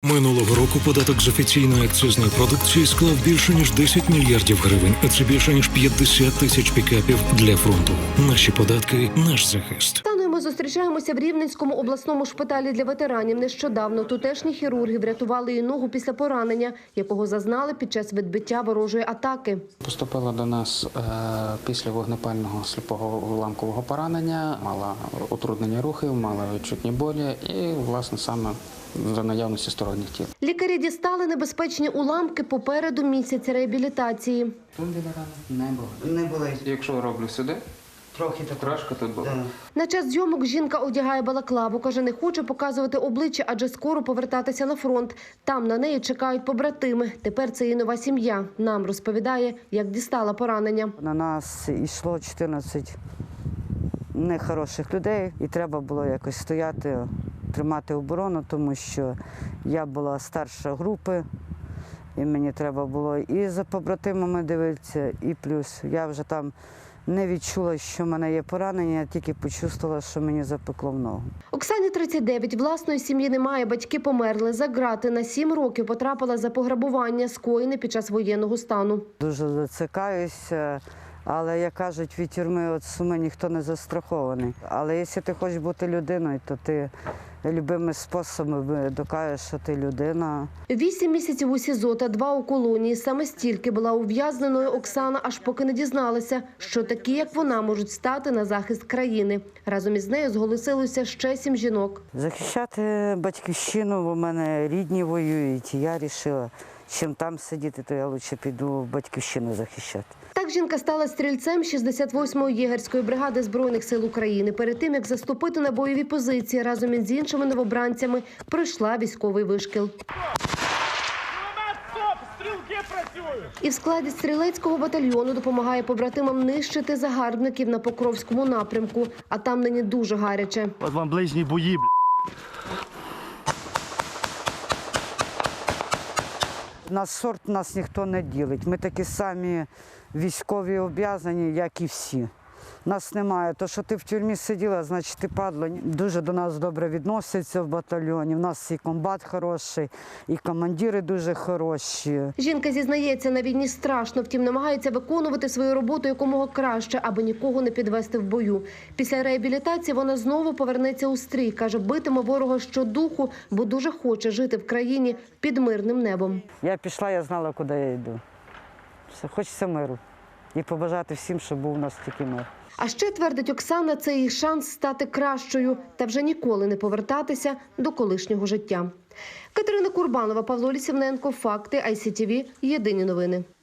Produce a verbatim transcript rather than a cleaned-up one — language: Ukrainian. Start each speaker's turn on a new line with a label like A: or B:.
A: Минулого року податок з офіційної акцизної продукції склав більше ніж десять мільярдів гривень, а це більше ніж п'ятдесят тисяч пікапів для фронту. Наші податки – наш захист.
B: Ми зустрічаємося в Рівненському обласному шпиталі для ветеранів. Нещодавно тутешні хірурги врятували її ногу після поранення, якого зазнали під час відбиття ворожої атаки.
C: Поступила до нас е, після вогнепального сліпого уламкового поранення, мала утруднені рухів, мала відчутні болі і, власне, саме за наявності сторонніх тіл.
B: Лікарі дістали небезпечні уламки попереду місяця реабілітації.
C: Тут біля рани не було.
D: Не було.
C: Якщо роблю сюди,
D: Трохи так.
C: трошки тут було.
D: Да.
B: На час зйомок жінка одягає балаклаву. Каже, не хоче показувати обличчя, адже скоро повертатися на фронт. Там на неї чекають побратими. Тепер це її нова сім'я. Нам розповідає, як дістала поранення.
E: На нас йшло чотирнадцять нехороших людей, і треба було якось стояти, тримати оборону, тому що я була старша групи, і мені треба було і за побратимами дивитися, і плюс я вже там не відчула, що в мене є поранення, я тільки почувствувала, що мені запекло в ногу.
B: Оксані тридцять дев'ять, власної сім'ї немає, батьки померли. За ґрати на сім років потрапила за пограбування, скоєне під час воєнного стану.
E: Дуже зацикаюся, але, як кажуть, від тюрми від суми ніхто не застрахований. Але якщо ти хочеш бути людиною, то ти любими способами докажеш, що ти людина.
B: Вісім місяців у СІЗО та два у колонії. Саме стільки була ув'язненою Оксана, аж поки не дізналася, що такі, як вона, можуть стати на захист країни. Разом із нею зголосилося ще сім жінок.
E: Захищати батьківщину, бо в мене рідні воюють, і я вирішила, чим там сидіти, то я краще піду в батьківщину захищати.
B: Так жінка стала стрільцем шістдесят восьмої єгерської бригади Збройних сил України. Перед тим, як заступити на бойові позиції, разом із іншими новобранцями пройшла військовий вишкіл. І в складі стрілецького батальйону допомагає побратимам нищити загарбників на Покровському напрямку. А там нині дуже гаряче.
F: От вам ближні бої, бля.
E: На сорт нас ніхто не ділить. Ми такі самі військові обов'язані, як і всі. Нас немає. То, що ти в тюрмі сиділа, значить ти падла. Дуже до нас добре відносяться в батальйоні. У нас і комбат хороший, і командири дуже хороші.
B: Жінка зізнається, на війні страшно, втім намагається виконувати свою роботу якомога краще, аби нікого не підвести в бою. Після реабілітації вона знову повернеться у стрій. Каже, битиме ворога щодуху, бо дуже хоче жити в країні під мирним небом.
E: Я пішла, я знала, куди я йду. Все, хочеться миру. І побажати всім, щоб був у нас тільки мир.
B: А ще, твердить Оксана, це її шанс стати кращою та вже ніколи не повертатися до колишнього життя. Катерина Курбанова, Павло Лісівненко, Факти, ай сі ті ві, Єдині новини.